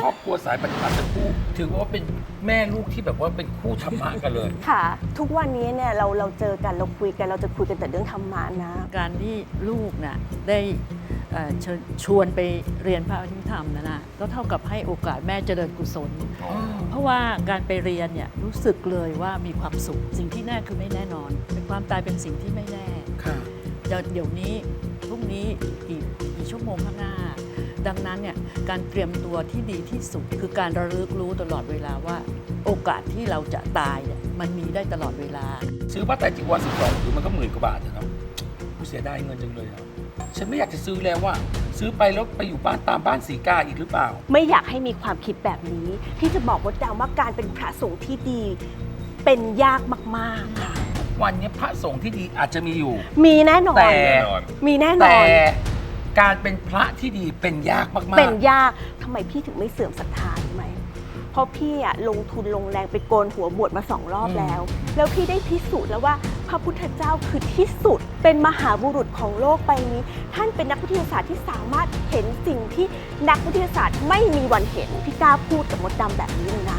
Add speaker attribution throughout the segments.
Speaker 1: รอบครัวสายปฏิบัติทั้งคู่ถือว่าเป็นแม่ลูกที่แบบว่าเป็นคู่ธรรมะกันเลย
Speaker 2: ค่ะ ทุกวันนี้เนี่ยเราเจอกันเราคุยกันเราจะคุยกันแต่เรื่องธรรมะนะ
Speaker 3: การที่ลูกน่ะได้ชวนไปเรียนพระอภิธรรมนะก็เท่ากับให้โอกาสแม่เจริญกุศล เพราะว่าการไปเรียนเนี่ยรู้สึกเลยว่ามีความสุขสิ่งที่แน่คือไม่แน่นอนเป็นความตายเป็นสิ่งที่ไม่แน่
Speaker 1: ค่ะ
Speaker 3: เดี๋ยวนี้พรุ่งนี้กี่ชั่วโมงข้างหน้า ดังนั้นเนี่ยการเตรียมตัวที่ดีที่สุดคือการระลึกรู้ตลอดเวลาว่าโอกาสที่เราจะตายเนี่ยมันมีได้ตลอดเวลา
Speaker 1: ซื้อผ้าไตรจีวร12คือมันก็10,000 กว่าบาทอะเนาะกูเสียดายเงินจังเลยอะฉันไม่อยากจะซื้อแล้วว่า ซื้อไปแล้วไปอยู่บ้านตามบ้านสีกาอีกหรือเปล่า
Speaker 2: ไม่อยากให้มีความคิดแบบนี้ ที่จะบอกมดดำว่าการเป็นพระสงฆ์ที่ดีเป็นยากมากๆค่ะ
Speaker 1: วันนี้พระสงฆ์ที่ดีอาจจะมีอยู่
Speaker 2: มีแน่นอน
Speaker 1: แต่
Speaker 2: มีแน่นอ
Speaker 1: แต่
Speaker 2: น
Speaker 1: การเป็นพระที่ดีเป็นยากมากๆ
Speaker 2: เป็นยากทำไมพี่ถึงไม่เสื่อมศรัทธารู้ไหมเพราะพี่อะลงทุนลงแรงไปโกนหัวบวชมา2 รอบแล้ว แล้วพี่ได้พิสูจน์แล้วว่าพระพุทธเจ้าคือที่สุดเป็นมหาบุรุษของโลกใบนี้ ท่านเป็นนักวิทยาศาสตร์ที่สามารถเห็นสิ่งที่นักวิทยาศาสตร์ไม่มีวันเห็นพี่กล้าพูดกับมดดำแบบนี้เลยนะ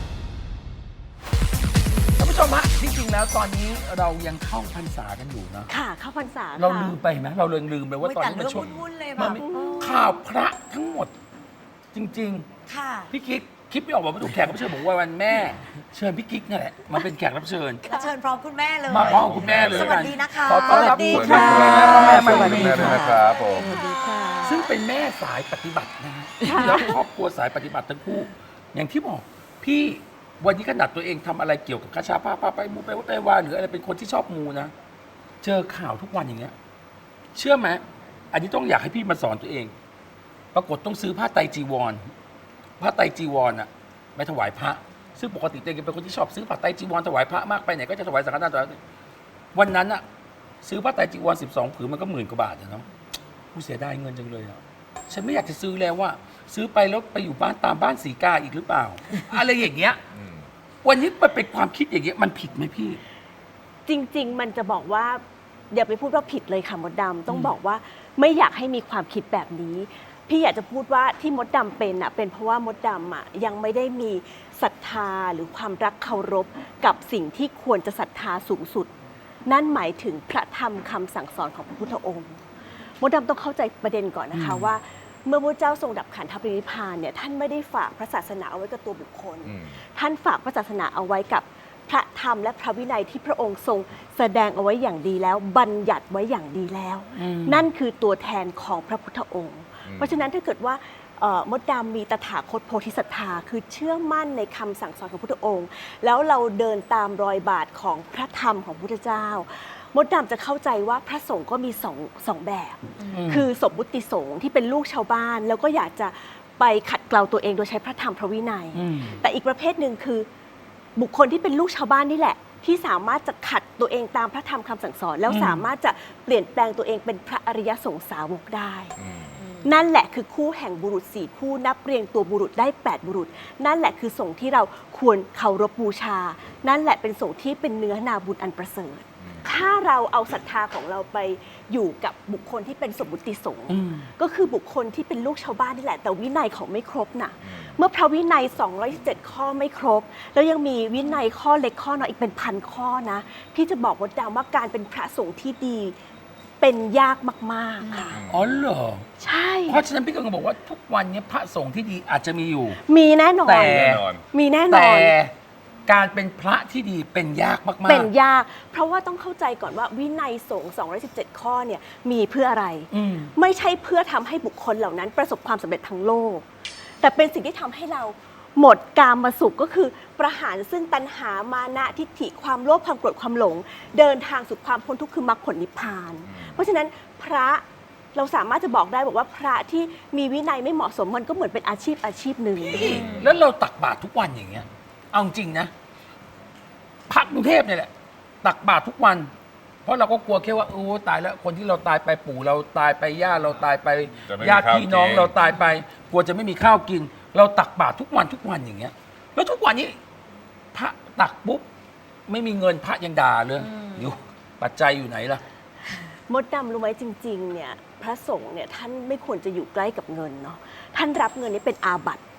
Speaker 1: ท่านผู้ชมฮะที่จริงแล้วตอนนี้เรายังเข้าพรรษากันอยู่นะ
Speaker 2: ค่ะเข้าพรรษา
Speaker 1: เรา
Speaker 2: ค่ะ
Speaker 1: ลืมไปไหมเราเลยลืมไปว่าตอนนี้มันช่วง
Speaker 4: วุ่นๆเลย
Speaker 1: มั
Speaker 4: แบ
Speaker 1: น
Speaker 4: บ
Speaker 1: มีข่าวพระทั้งหมด จริง
Speaker 4: ค่ะ
Speaker 1: ๆ พี่กิ๊กคิดไม่ออกว่าถูกแขกรับเชิญบอกว่าวันแม่ เชิญพี่กิ๊กนี่แหละมาเป็นแขกรับเชิญ
Speaker 4: มาเชิญพร้อมคุณแม่เลย
Speaker 1: มาพร้อมคุณแม่เลย
Speaker 4: สวัสดีนะคะ
Speaker 1: ขอต้อนรับ
Speaker 2: สวัสดี
Speaker 1: คุณ
Speaker 2: ค่ะ
Speaker 1: แม่
Speaker 2: สวัสดี
Speaker 1: มา
Speaker 2: ค่ะ
Speaker 5: นะครับผม
Speaker 2: สวัสดีค่ะ
Speaker 1: ซึ่งเป็นแม่สายปฏิบัตินะฮะ
Speaker 2: ค่ะ
Speaker 1: แล้วครอบครัวสายปฏิบัติทั้งคู่ อย่างที่บอกพี่วันนี้ขนาดตัวเองทำอะไรเกี่ยวกับคาชาพาไปมูไปวัดไปวาหรืออะไรเป็นคนที่ชอบมูนะ เจอข่าวทุกวันอย่างเงี้ย เชื่อไหมอันนี้ต้องอยากให้พี่มาสอนตัวเอง ปรากฏต้องซื้อผ้าไตรจีวรผ้าไตรจีวรอะไปถวายพระ ซึ่งปกติตัวเองเป็นคนที่ชอบซื้อผ้าไตรจีวรถวายพระมากไปไหนก็จะถวายสังฆทานถวายวันนั้นอะซื้อผ้าไตรจีวร12 ผืนมันก็10,000 กว่าบาทอะเนาะกูเสียดายเงินจังเลยอะฉันไม่อยากจะซื้อแล้วว่า ซื้อไปแล้วไปอยู่บ้านตามบ้านสีกาอีกหรือเปล่า อะไรอย่างเงี้ย วันนี้มันเป็นความคิดอย่างเงี้ยมันผิดไหมพี่
Speaker 2: จริงๆ มันจะบอกว่าอย่าไปพูดว่าผิดเลยค่ะมดดำต้องบอกว่าไม่อยากให้มีความคิดแบบนี้ พี่อยากจะพูดว่าที่มดดำเป็นอ่ะเป็นเพราะว่ามดดำอ่ะยังไม่ได้มีศรัทธาหรือความรักเคารพกับสิ่งที่ควรจะศรัทธาสูงสุด นั่นหมายถึงพระธรรมคำสั่งสอนของพระพุทธองค์มดดำต้องเข้าใจประเด็นก่อนนะคะว่า เมื่อพระเจ้าทรงดับขันธปรินิพพานเนี่ยท่านไม่ได้ฝากพระศาสนาเอาไว้กับตัวบุคคล ท่านฝากพระศาสนาเอาไว้กับพระธรรมและพระวินัยที่พระองค์ทรงแสดงเอาไว้อย่างดีแล้ว บัญญัติไว้อย่างดีแล้ว นั่นคือตัวแทนของพระพุทธองค์ เพราะฉะนั้นถ้าเกิดว่ามดดำมีตถาคตโพธิศรัทธาคือเชื่อมั่นในคำสั่งสอนของพระพุทธองค์ แล้วเราเดินตามรอยบาทของพระธรรมของพระพุทธเจ้ามดดำจะเข้าใจว่าพระสงฆ์ก็มีสองแบบ คือสมมุติสงฆ์ที่เป็นลูกชาวบ้าน แล้วก็อยากจะไปขัดเกลาตัวเองโดยใช้พระธรรมพระวินัย แต่อีกประเภทหนึ่งคือบุคคลที่เป็นลูกชาวบ้านนี่แหละ ที่สามารถจะขัดตัวเองตามพระธรรมคำสั่งสอน แล้วสามารถจะเปลี่ยนแปลงตัวเองเป็นพระอริยสงสาวกได้ นั่นแหละคือคู่แห่งบุรุษ4 คู่นับเรียงตัวบุรุษได้8 บุรุษ นั่นแหละคือสงฆ์ที่เราควรเคารพบูชา นั่นแหละเป็นสงฆ์ที่เป็นเนื้อนาบุญอันประเสริฐ ถ้าเราเอาศรัทธาของเราไปอยู่กับบุคคลที่เป็นสมมุติสงฆ์ก็คือบุคคลที่เป็นลูกชาวบ้านนี่แหละแต่วินัยเขาไม่ครบน่ะเมื่อพระวินัย207 ข้อไม่ครบ แล้วยังมีวินัยข้อเล็กข้อน้อยอีกเป็น1,000 ข้อนะพี่จะบอกว่าดาวว่าการเป็นพระสงฆ์ที่ดีเป็นยากมากๆค่ะ
Speaker 1: อ๋อเหรอ
Speaker 2: ใช่
Speaker 1: เพราะฉะนั้นพี่กำลังบอกว่าทุกวันนี้พระสงฆ์ที่ดีอาจจะมีอยู่
Speaker 2: มีแน่นอน
Speaker 1: แต่
Speaker 2: มีแน่น
Speaker 1: แต่
Speaker 2: อน
Speaker 1: การเป็นพระที่ดีเป็นยากมากๆ
Speaker 2: เป็นยาก เพราะว่าต้องเข้าใจก่อนว่าวินัยสงฆ์217 ข้อเนี่ยมีเพื่ออะไร ไม่ใช่เพื่อทำให้บุคคลเหล่านั้นประสบความสำเร็จทั้งโลก แต่เป็นสิ่งที่ทำให้เราหมดกามสุขก็คือประหารซึ่งตัณหามานะทิฏฐิความโลภความโกรธความหลง เดินทางสู่ความพ้นทุกข์คือมรรคผลนิพพาน เพราะฉะนั้นพระเราสามารถจะบอกได้บอกว่าพระที่มีวินัยไม่เหมาะสมมันก็เหมือนเป็นอาชีพหนึ่ง
Speaker 1: แล้วเราตักบาตรทุกวันอย่างเงี้ย เอาจริงนะพระกรุงเทพเนี่ยแหละ ตักบาตรทุกวัน เพราะเราก็กลัวแค่ว่าโอ้ตายแล้วคนที่เราตายไปปู่เราตายไปย่าเราตายไป
Speaker 5: จะไม่มี
Speaker 1: ญาติพี่น้อง
Speaker 5: ข้าวกิน
Speaker 1: เราตายไป กลัวจะไม่มีข้าวกิน เราตักบาตรทุกวันอย่างเงี้ย แล้วทุกวันนี้ พระตักปุ๊บไม่มีเงินพระยังด่าเลยอยู่ปัจจัยอยู่ไหนล่ะ
Speaker 2: มดดำรู้ไหมจริงๆเนี่ยพระสงฆ์เนี่ยท่านไม่ควรจะอยู่ใกล้กับเงินเนาะท่านรับเงินนี้เป็นอาบัติ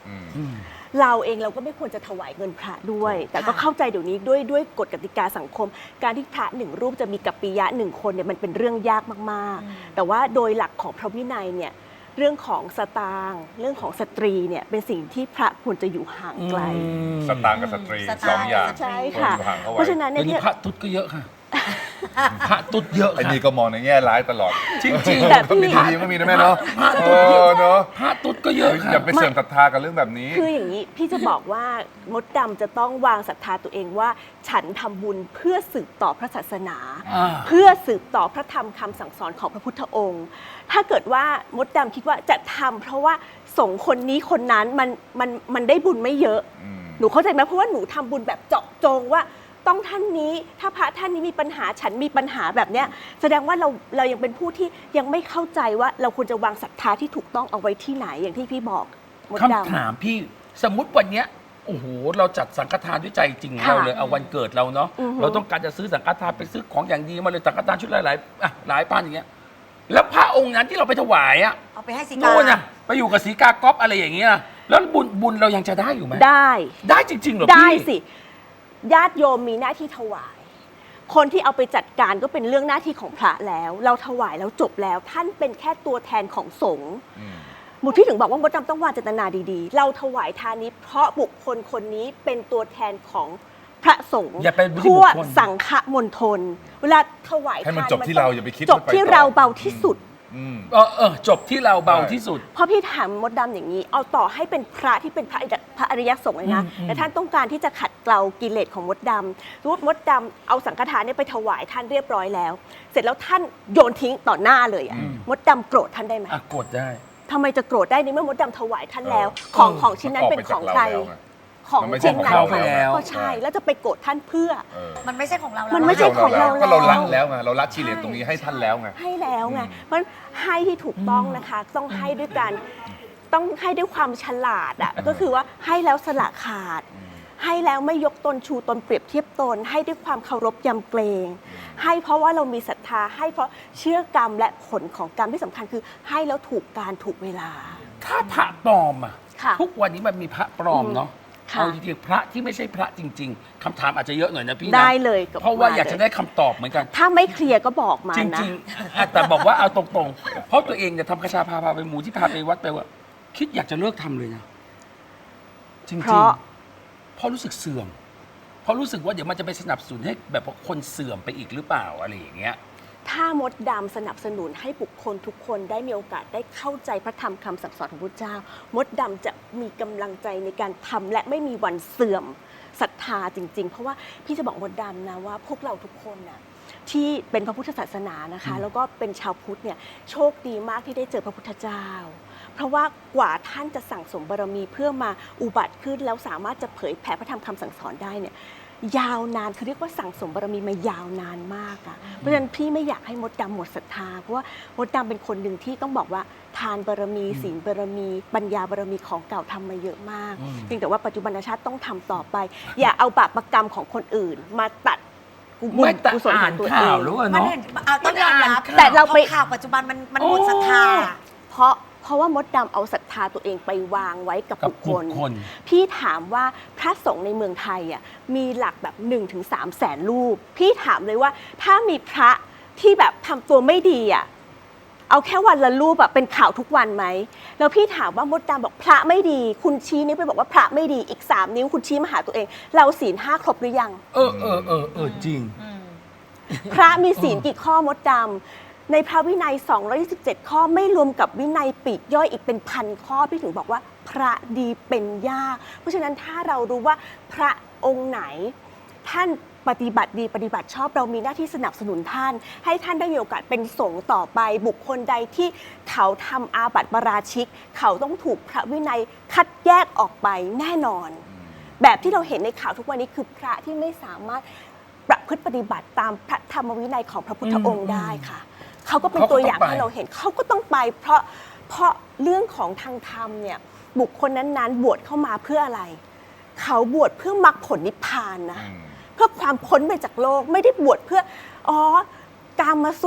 Speaker 1: อืม
Speaker 2: เราเองเราก็ไม่ควรจะถวายเงินพระด้วย แต่ก็เข้าใจเดี๋ยวนี้ด้วยกฎกติกาสังคม การที่พระหนึ่งรูปจะมีกัปปิยะหนึ่งคนเนี่ยมันเป็นเรื่องยากมากๆ แต่ว่าโดยหลักของพระวินัยเนี่ยเรื่องของสตางค์เรื่องของสตรีเนี่ยเป็นสิ่งที่พระควรจะอยู่ห่างไกล
Speaker 4: สตางค์กับสตรี
Speaker 5: สตางค์
Speaker 4: สองอย่าง
Speaker 2: ใช่
Speaker 4: ควร
Speaker 2: ค่ะ
Speaker 4: อยู่ห่างเข้า
Speaker 2: เพ
Speaker 4: ไว้
Speaker 2: ราะฉะนั้น
Speaker 1: เดี๋
Speaker 2: เนี่ย
Speaker 1: ยวนี้พระตุ๊ดก็เยอะค่ะ พระตุ๊ดเยอะ
Speaker 4: ไอ้
Speaker 1: ค่ะ
Speaker 4: นี่ก็มองในแง่ร้ายตลอด
Speaker 1: จริงๆ
Speaker 2: แต่
Speaker 4: ก็มี
Speaker 2: พี่
Speaker 4: ดีก็มีนะแม่เนาะ
Speaker 1: พระ
Speaker 4: เอ
Speaker 1: ตุ๊ดเย
Speaker 4: อ
Speaker 1: อะ
Speaker 4: เนาะ
Speaker 1: พระตุ๊ดก็เยอะค่ะ
Speaker 4: อย่าไปเสื่อมศรัทธากับเรื่องแบบนี้
Speaker 2: คืออย่างนี้พี่จะบอกว่ามดดำจะต้องวางศรัทธาตัวเองว่าฉันทำบุญเพื่อสืบต่อพระศาสนา
Speaker 1: อ่า
Speaker 2: เพื่อสืบต่อพระธรรมคำสั่งสอนของพระพุทธองค์ ถ้าเกิดว่ามดดำคิดว่าจะทำเพราะว่าสงฆ์คนนี้คนนั้นมันได้บุญไม่เยอะ หนูเข้าใจไหมเพราะว่าหนูทำบุญแบบเจาะจงว่าต้องท่านนี้ถ้าพระท่านนี้มีปัญหาฉันมีปัญหาแบบเนี้ยแสดงว่าเรายังเป็นผู้ที่ยังไม่เข้าใจว่าเราควรจะวางศรัทธาที่ถูกต้องเอาไว้ที่ไหนอย่างที่พี่บอกมดดำ
Speaker 1: คำถามพี่สมมุติวันเนี้ยโอ้โหเราจัดสังฆทานด้วยใจจริงของ
Speaker 2: ค่ะ
Speaker 1: เราเลยเอาวันเกิดเราเนาะ
Speaker 2: อือฮึ
Speaker 1: เราต้องการจะซื้อสังฆทานไปซื้อของอย่างดีมาเลยสังฆทานชุดหลายๆหลายพันอย่างเงี้ยแล้วพระองค์นั้นที่เราไปถวายอะ
Speaker 5: เอาไปให้สีกา
Speaker 1: โน่นน่ะไปอยู่กับศรีกาก๊อฟอะไรอย่างเงี้ยแล้วบุญเรายังจะได้อยู่ไหม
Speaker 2: ได้
Speaker 1: ได้จริงๆเหรอพี่
Speaker 2: ได้สิญาติโยมมีหน้าที่ถวาย คนที่เอาไปจัดการก็เป็นเรื่องหน้าที่ของพระแล้ว เราถวายแล้วจบแล้วท่านเป็นแค่ตัวแทนของสงฆ์หมุดพี่ถึงบอกว่ามดดำต้องวางเจตนาดีๆ เราถวายทานนี้เพราะบุคคลคนนี้เป็นตัวแทนของพระสงฆ์
Speaker 1: อย่าไปบุคคล
Speaker 2: ทั่วสังฆมณฑลเวลาถวาย
Speaker 4: ให้มัน
Speaker 2: ทาน
Speaker 4: จบที่เราอย่าไปคิด
Speaker 2: จบ
Speaker 4: ว่าไป
Speaker 2: ที่
Speaker 4: ต่อ
Speaker 2: เราเบาที่สุด
Speaker 1: จบที่เราเบาที่สุด
Speaker 2: เพราะพี่ถามมดดำอย่างนี้ เอาต่อให้เป็นพระที่เป็นพระอริยสงฆ์เลยนะ แต่ท่านต้องการที่จะขัดเกลากิเลสของมดดำสมมติมดดำเอาสังฆทานเนี่ยไปถวายท่านเรียบร้อยแล้ว เสร็จแล้วท่านโยนทิ้งต่อหน้าเลยอะมดดำโกรธท่านได้ไหม
Speaker 1: อ่ะกดได้
Speaker 2: ทำไมจะโกรธได้ในเมื่อมดดำถวายท่านแล้ว ของชิ้นนั้นเป็นของใคร ของ
Speaker 4: มันไม่ใช่
Speaker 2: ชิ้นนั้น
Speaker 1: ของเขาไปแล้ว
Speaker 2: ก็ใช่แล้วจะไปโกรธท่านเพื่อ
Speaker 5: มันไม่ใช่ของเรา
Speaker 2: มั
Speaker 5: มัน
Speaker 2: ไม่ใช่ของเรา
Speaker 4: ก็เราละ
Speaker 2: แล้ว
Speaker 4: แล้วไงเราละกิเลสตรงนี้ให้ท่านแล้วไง
Speaker 2: ให้แล้วไง เพราะฉะนั้นให้ที่ถูกต้องนะคะ ต้องให้ด้วยการต้องให้ด้วยความฉลาดอ่ะ ก็คือว่าให้แล้วสละขาด ให้แล้วไม่ยกตนชูตนเปรียบเทียบตน ให้ด้วยความเคารพยำเกรง ให้เพราะว่าเรามีศรัทธา ให้เพราะเชื่อกรรมและผลของกรรมที่สำคัญคือ ให้แล้วถูกการถูกเวลา
Speaker 1: ถ้าพระปลอมอ่ะ
Speaker 2: ค่ะ
Speaker 1: ทุกวันนี้มันมีพระปลอมเนาะ
Speaker 2: ค่ะ
Speaker 1: เอาจริงๆพระที่ไม่ใช่พระจริง ๆคำถามอาจจะเยอะหน่อยนะพี่นะ
Speaker 2: ได้เลยกับ
Speaker 1: เพราะว่า
Speaker 2: มา
Speaker 1: อยากจะได้คำตอบเหมือนกัน
Speaker 2: ถ้าไม่เคลียร์ก็บอกมา
Speaker 1: จ
Speaker 2: นะ
Speaker 1: ริงๆแต่บอกว่าเอาตรงๆ เพราะตัวเองเนี่ยทำกระชาพาไปหมูที่พาไปวัดไปว่า คิดอยากจะเลิกทำเลยนะ จริงๆ
Speaker 2: เพราะ
Speaker 1: เพราะรู้สึกเสื่อม เพราะรู้สึกว่าเดี๋ยวมันจะไปสนับสนุนให้แบบว่าคนเสื่อมไปอีกหรือเปล่าอะไรอย่างเงี้ย
Speaker 2: ถ้ามดดำสนับสนุนให้บุคคลทุกคนได้มีโอกาสได้เข้าใจพระธรรมคำสั่งสอนของพระเจ้า มดดำจะมีกำลังใจในการทำและไม่มีวันเสื่อมศรัทธาจริง ๆ เพราะว่าพี่จะบอกมดดำนะว่าพวกเราทุกคนน่ะที่เป็นพระพุทธศาสนานะคะ แล้วก็เป็นชาวพุทธเนี่ยโชคดีมากที่ได้เจอพระพุทธเจ้า เพราะว่ากว่าท่านจะสั่งสมบารมีเพื่อมาอุบัติขึ้นแล้วสามารถจะเผยแผ่พระธรรมคำสั่งสอนได้เนี่ยยาวนานคือเรียกว่าสั่งสมบารมีมายาวนานมากอะเพราะฉะนั้นพี่ไม่อยากให้มดดำหมดศรัทธาเพราะว่ามดดำเป็นคนหนึ่งที่ต้องบอกว่าทานบารมีศีลบารมีปัญญาบารมีของเก่าทำมาเยอะมากเพียงแต่ว่าปัจจุบันชาติต้องทำต่อไป อย่าเอาบาปกรรมของคนอื่นมาตัดบุญ
Speaker 1: ไม่แต่
Speaker 2: กุศลข
Speaker 1: อ่า
Speaker 2: อน งตัวเอ
Speaker 1: ข่าว
Speaker 2: ง
Speaker 1: หรือว่า
Speaker 5: มัน
Speaker 1: เนาะ
Speaker 5: เห็นเอาต้องยอมรับ
Speaker 2: แต่เราไป
Speaker 5: ข่าวปัจจุบันมันหมดศรัทธา
Speaker 2: เพราะว่ามดดำเอาศรัทธาตัวเองไปวางไว้กับ
Speaker 1: กับ
Speaker 2: บุคคล
Speaker 1: บุคคล
Speaker 2: พี่ถามว่าพระสงฆ์ในเมืองไทยอ่ะมีหลักแบบ1-3 แสนรูป พี่ถามเลยว่าถ้ามีพระที่แบบทำตัวไม่ดีอ่ะเอาแค่วันละรูปแบบเป็นข่าวทุกวันไหมแล้วพี่ถามว่ามดดำบอกพระไม่ดี คุณชี้นิ้วไปบอกว่าพระไม่ดีอีก3 นิ้วคุณชี้มาหาตัวเอง เราศีล5ครบหรือยัง
Speaker 1: จริง
Speaker 2: พระมีศีลกี่ข้อมดดำในพระวินัย227 ข้อไม่รวมกับวินัยปลีกย่อยอีกเป็นพันข้อพี่ถึงบอกว่าพระดีเป็นยากเพราะฉะนั้นถ้าเรารู้ว่าพระองค์ไหน ท่านปฏิบัติดีปฏิบัติชอบเรามีหน้าที่สนับสนุนท่าน ให้ท่านได้มีโอกาสเป็นสงฆ์ต่อไป บุคคลใดที่เขาทำอาบัติปาราชิก เขาต้องถูกพระวินัยคัดแยกออกไปแน่นอน แบบที่เราเห็นในข่าวทุกวันนี้คือพระที่ไม่สามารถประพฤติปฏิบัติตามพระธรรมวินัยของพระพุทธองค์ได้ค่ะ เขาก็เป็นตัวอย่างให้เราเห็นเขาก็ต้องไป เพราะเรื่องของทางธรรมเนี่ยบุคคลนั้นๆบวชเข้ามาเพื่ออะไร เขาบวชเพื่อมรรคผลนิพพานนะเพื่อความพ้นไปจากโลกไม่ได้บวชเพื่อกามสุข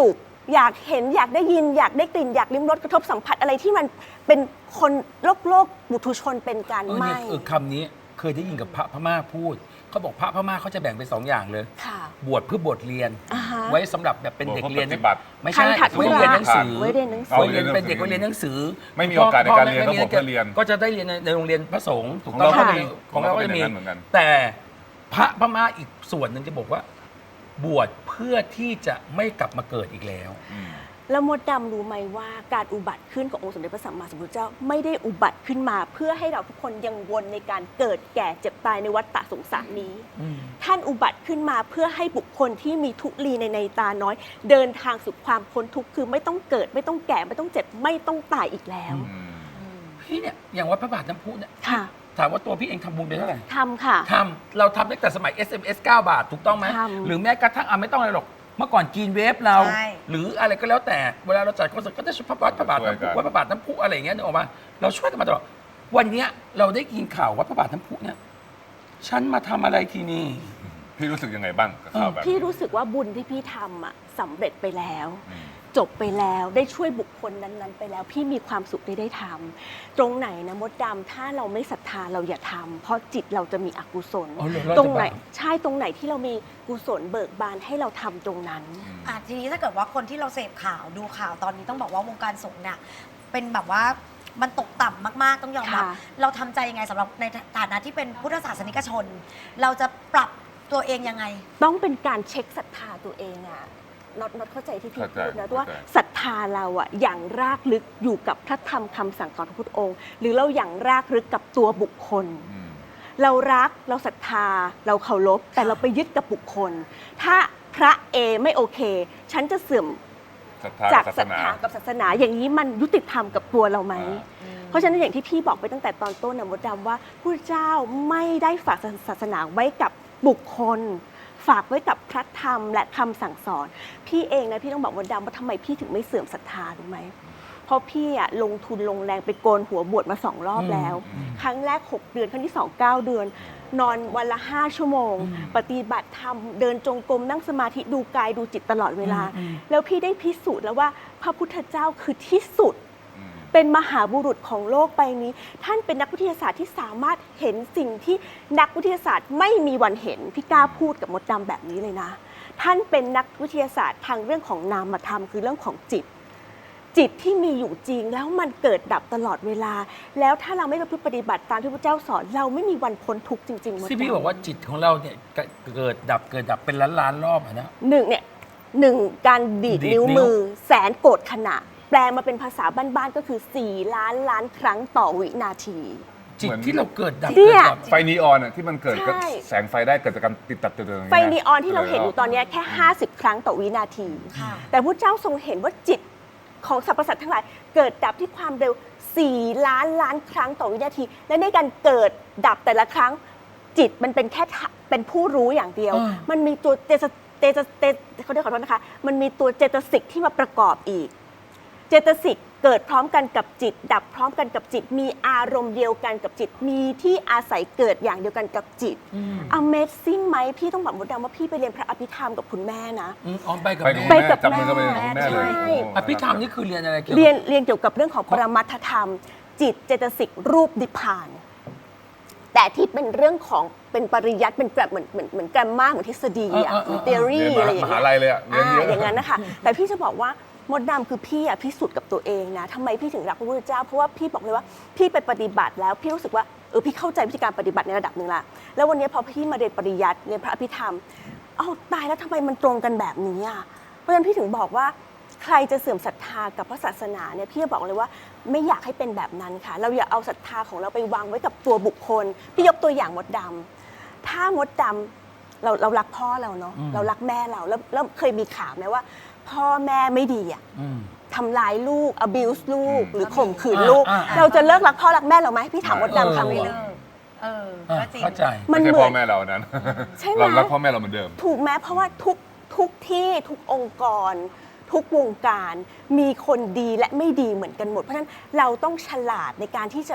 Speaker 2: อยากเห็นอยากได้ยินอยากได้กลิ่นอยากลิ้มรสกระทบสัมผัสอะไรที่มันเป็นคนโลกบุถุชนเป็นการ
Speaker 1: เนี่ย
Speaker 2: ไม่
Speaker 1: คำนี้เคยได้ยินกับพระพม่าพูดเขาบอกพระพม่าเขาจะแบ่งเป็น2 อย่างเลย
Speaker 2: ค่ะ
Speaker 1: บวชเพื่อบวชเรียน
Speaker 2: อ่าฮะ
Speaker 1: ไว้สำหรับแบบเป็นเด็กเรียน
Speaker 4: ปฏิบัติ
Speaker 1: ไม่ใช่
Speaker 2: ทันถัด
Speaker 1: ไว้เรียนหนังสือ
Speaker 2: ไว้เรียนหนังสือ
Speaker 1: ไว้เรียนเป็นเด็กไว้เรียนหนังสือ
Speaker 4: ไม่มีโอกาสในการเรียน
Speaker 1: พ่
Speaker 4: ต้องบอกว่าเรียน
Speaker 1: ก็จะได้เรียนในโรงเรียนพระสงฆ์ถูก
Speaker 4: ของ
Speaker 1: ต้อง
Speaker 4: เราก็
Speaker 1: ไห
Speaker 4: มี
Speaker 1: ของเราก็จะมี
Speaker 4: ของเราก็เป็นอย่างนั้นเหมือนกัน
Speaker 1: แต่พระพม่าอีกส่วนหนึ่งจะบอกว่า บวชเพื่อที่จะไม่กลับมาเกิดอีกแล้ว
Speaker 2: แล้วมดดำรู้ไหมว่าการอุบัติขึ้นขององค์สมเด็จพระสัมมาสัมพุทธเจ้าไม่ได้อุบัติขึ้นมา เพื่อให้เราทุกคนยังวนในการเกิดแก่เจ็บตายในวัฏฏะสงสารนี้ ท่านอุบัติขึ้นมาเพื่อให้บุคคลที่มีทุลีในตาน้อย เดินทางสู่ความพ้นทุกข์คือไม่ต้องเกิดไม่ต้องแก่ไม่ต้องเจ็บไม่ต้องตายอีกแล้ว
Speaker 1: พี่เนี่ยอย่างวัดพระบาทน้ำพุเนี่ย
Speaker 2: ค่ะ
Speaker 1: ถามว่าตัวพี่เองทำบุญไปเท่าไหร่
Speaker 2: ทำค่ะ
Speaker 1: ทำเราทำตั้งแต่สมัย SMS 9 บาทถูกต้องไหม
Speaker 2: ทำ
Speaker 1: หรือแม้กระทั่งไม่ต้องอะไรหรอกเมื่อก่อนกินเวฟเรา
Speaker 5: ใช่
Speaker 1: หรืออะไรก็แล้วแต่เวลาเราจัดคอนเสิร์ตก็จะชุดพระบาทน้ำพุวัดพระบาทน้ำพุอะไรอย่างเงี้ยนึกออกมาเราช่วยกันมาตลอดวันเนี้ยเราได้ยินข่าววัดพระบาทน้ำพุเนี่ยฉันมาทำอะไรที่นี่
Speaker 4: พี่รู้สึกยังไงบ้างกับข่าวแบบนี้
Speaker 2: พี่รู้สึกว่าบุญที่พี่ทำอะสำเร็จไปแล้ว
Speaker 4: อืม
Speaker 2: จบไปแล้วได้ช่วยบุคคลนั้นๆ ไปแล้ว พี่มีความสุขได้ทำตรงไหนนะมดดำถ้าเราไม่ศรัทธาเราอย่าทำเพราะจิตเราจะมีอกุศล
Speaker 1: อ๋อเหรอเราจะ
Speaker 2: ตรงไหน
Speaker 1: บาป
Speaker 2: ใช่ตรงไหนที่เรามีกุศลเบิกบานให้เราทำตรงนั้น
Speaker 5: ทีนี้ถ้าเกิดว่าคนที่เราเสพข่าวดูข่าวตอนนี้ต้องบอกว่าวงการสงฆ์เนี่ยเป็นแบบว่ามันตกต่ำมากๆต้องยอมรับ
Speaker 2: ค่ะ
Speaker 5: เราทำใจยังไงสำหรับในฐานะที่เป็นพุทธศาสนิกชน เราจะปรับตัวเองยังไง
Speaker 2: ต้องเป็นการเช็คศรัทธาตัวเองอะน็อตเข้าใจที่พี่
Speaker 4: เข้าใจ
Speaker 2: พูดนะ
Speaker 4: เข้าใจ
Speaker 2: ว่าศรัทธาเราอะอย่างรากลึกอยู่กับพระธรรมคำสั่งสอนของพระพุทธองค์ หรือเราอย่างรากลึกกับตัวบุคคล
Speaker 4: อืม
Speaker 2: เรารักเราศรัทธาเราเคารพแต่เราไปยึดกับบุคคล ถ้าพระเอไม่โอเค ฉันจะเสื่อม
Speaker 4: ศรัทธา
Speaker 2: จาก
Speaker 4: ศา
Speaker 2: ศ
Speaker 4: ส
Speaker 2: รัท
Speaker 4: นา
Speaker 2: ธากับศาสนา อย่างนี้มันยุติธรรมกับตัวเราไหม เพราะฉะนั้นอย่างที่พี่บอกไปตั้งแต่ตอนต้นนะมดดำว่าพระเจ้าไม่ได้ฝากศาสนาไว้กับบุคคล ฝากไว้กับพระธรรมและคำสั่งสอน พี่เองนะพี่ต้องบอกมดดำว่าทำไมพี่ถึงไม่เสื่อมศรัทธารู้ไหมเพราะพี่อะลงทุนลงแรงไปโกนหัวบวชมา2 รอบแล้ว ครั้งแรก 6 เดือนครั้งที่ 2 9 เดือน นอนวันละ 5 ชั่วโมง ปฏิบัติธรรมเดินจงกรมนั่งสมาธิดูกายดูจิตตลอดเวลา แล้วพี่ได้พิสูจน์แล้วว่าพระพุทธเจ้าคือที่สุด เป็นมหาบุรุษของโลกใบนี้ ท่านเป็นนักวิทยาศาสตร์ที่สามารถเห็นสิ่งที่นักวิทยาศาสตร์ไม่มีวันเห็น พี่กล้าพูดกับมดดำแบบนี้เลยนะ ท่านเป็นนักวิทยาศาสตร์ทางเรื่องของนามธรรมคือเรื่องของจิต จิตที่มีอยู่จริงแล้วมันเกิดดับตลอดเวลา แล้วถ้าเราไม่ประพฤติปฏิบัติตามที่พระเจ้าสอน เราไม่มีวันพ้นทุกข์จริงๆมดดำ
Speaker 1: ที่พี่บอกว่าจิตของเราเนี่ยเกิดดับเป็นล้านรอบอะนะ
Speaker 2: หนึ่งการดีด
Speaker 1: ดีด
Speaker 2: นิ้ว
Speaker 1: นิ้ว
Speaker 2: มือแสนโกรธขณะ แปลมาเป็นภาษาบ้านๆก็คือ 4 ล้านล้านครั้งต่อวินาที
Speaker 1: จิตที่เราเกิดดับ
Speaker 2: เนี่ย
Speaker 1: เกิดดับ
Speaker 4: ไฟนีออนอะที่มันเกิดกับ
Speaker 2: ใช่
Speaker 4: แสงไฟได้เกิดจากการติดตัดตัว
Speaker 2: ไฟนีออนที่เราเห็นอยู่ตอนเนี้ยแค่ 50 ครั้งต่อวินาที
Speaker 5: ค่ะ
Speaker 2: แต่พระเจ้าทรงเห็นว่าจิตของสรรพสัตว์ทั้งหลายเกิดดับที่ความเร็ว 4 ล้านล้านครั้งต่อวินาที และในการเกิดดับแต่ละครั้ง จิตมันเป็นแค่เป็นผู้รู้อย่างเดียว มันมีตัวเขาเรียกขอโทษนะคะ มันมีตัวเจตสิกที่มาประกอบอีก เจตสิกเกิดพร้อมกันกับจิต ดับพร้อมกันกับจิต มีอารมณ์เดียวกันกับจิต มีที่อาศัยเกิดอย่างเดียวกันกับจิต Amazing ไหมพี่ต้องบอกมดดำว่าพี่ไปเรียนพระอภิธรรมกับคุณแม่นะ
Speaker 1: อ๋อไปกับ
Speaker 4: ไปกับ
Speaker 1: แม่
Speaker 4: แม่จับมือกันไปกับแม่เลย
Speaker 2: ใช่
Speaker 4: โอ้
Speaker 1: อภิธรรมนี่คือเรียนอะไรเกี่ยวกับ
Speaker 2: เรียนเกี่ยวกับเรื่องของปรมัตถธรรม จิตเจตสิกรูปนิพพาน แต่ที่เป็นเรื่องของเป็นปริยัติเป็นแบบเหมือนแกรมมาเหมือนทฤษฎีอะเหมือน
Speaker 4: เรีย
Speaker 2: theory
Speaker 4: น
Speaker 2: อะไรอย่าง
Speaker 4: มหา
Speaker 2: เงี้ย
Speaker 4: ลัยเลยอะเรียนเยอะ
Speaker 2: อย่างนั้นนะคะ แต่พี่จะบอกว่ามดดำคือพี่อะพิสูจน์กับตัวเองนะทำไมพี่ถึงรักพระพุทธเจ้าเพราะว่าพี่บอกเลยว่าพี่ไปปฏิบัติแล้วพี่รู้สึกว่าพี่เข้าใจวิธีการปฏิบัติในระดับหนึ่งละแล้ววันนี้พอพี่มาเรียนปริยัติเรียนพระอภิธรรมตายแล้วทำไมมันตรงกันแบบนี้อะเพราะฉะนั้นพี่ถึงบอกว่าใครจะเสื่อมศรัทธากับพระศาสนาเนี่ยพี่จะบอกเลยว่าไม่อยากให้เป็นแบบนั้นค่ะเราอย่าเอาศรัทธาของเราไปวางไว้กับตัวบุคคลพี่ยกตัวอย่างมดดำถ้ามดดำเรารักพ่อเราเนาะเรารักแม่เราแล้วเคยมีข่าวไหมว่า พ่อแม่ไม่ดีอะทำร้ายลูก abuse ลูก หรือข่มขืนลูก เราจะเลิกรักพ่อรักแม่เราไหมพี่ถามมดดำคำ
Speaker 5: ไม่
Speaker 2: นี้
Speaker 5: เลิกก็จริง
Speaker 1: เข้าใจ
Speaker 2: มัน
Speaker 4: ไม่ใช่
Speaker 2: เหมื
Speaker 4: พ่
Speaker 2: อ
Speaker 4: อน แม่เรานั้น
Speaker 2: ใช่ไหม
Speaker 4: เรารักพ่อแม่เราเหมือนเดิม
Speaker 2: ถูกไหมเพราะว่าทุกที่ทุกองค์กร ทุกวงการมีคนดีและไม่ดีเหมือนกันหมด เพราะฉะนั้นเราต้องฉลาดในการที่จะแบบ